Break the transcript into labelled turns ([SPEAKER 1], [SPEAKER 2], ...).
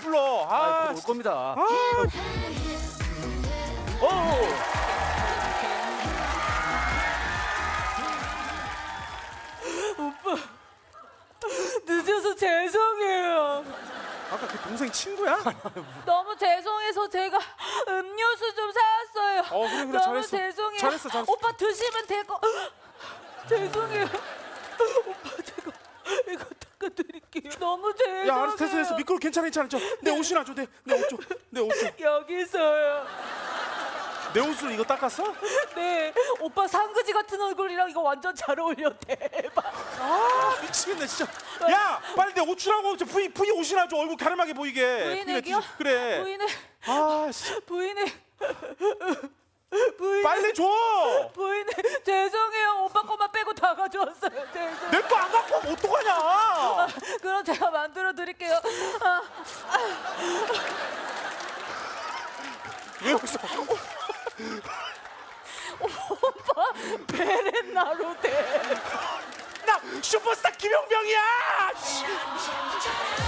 [SPEAKER 1] 불러. 아,
[SPEAKER 2] 올 겁니다.
[SPEAKER 3] 늦어서 죄송해요.
[SPEAKER 1] 아까 그 동생 친구야?
[SPEAKER 3] 너무 죄송해서 제가 음료수 좀 사왔어요.
[SPEAKER 1] 그래,
[SPEAKER 3] 너무
[SPEAKER 1] 잘했어.
[SPEAKER 3] 죄송해요.
[SPEAKER 1] 잘했어.
[SPEAKER 3] 오빠 드시면 되고. 죄송해요. 오빠 제가 이거 닦아드릴게요. 너무 죄송해요.
[SPEAKER 1] 야, 알았어, 됐어. 미끄러. 괜찮아. 내 옷이나 줘. 내 옷 줘. 내 옷 줘.
[SPEAKER 3] 여기서요.
[SPEAKER 1] 내 옷을 이거 닦았어?
[SPEAKER 3] 네, 오빠 상그지 같은 얼굴이랑 이거 완전 잘 어울려. 대박.
[SPEAKER 1] 아, 미치겠네 진짜. 야, 빨리 내 옷 주라고. 부인 옷이나 줘. 얼굴 가름하게 보이게.
[SPEAKER 3] 부인에게요?
[SPEAKER 1] 그래.
[SPEAKER 3] 부인의
[SPEAKER 1] 아, 씨.
[SPEAKER 3] 부인의
[SPEAKER 1] 빨리 줘.
[SPEAKER 3] 부인의 죄송해요. 오빠 거만 빼고 다 가져왔어요. 죄송.
[SPEAKER 1] 내 거 안 갖고 오면 어떡하냐?
[SPEAKER 3] 그럼 제가 만들어 드릴게요.
[SPEAKER 1] 왜 웃어?
[SPEAKER 3] 오빠 베렌나로 돼.
[SPEAKER 1] 나 슈퍼스타 김용병이야. 씨.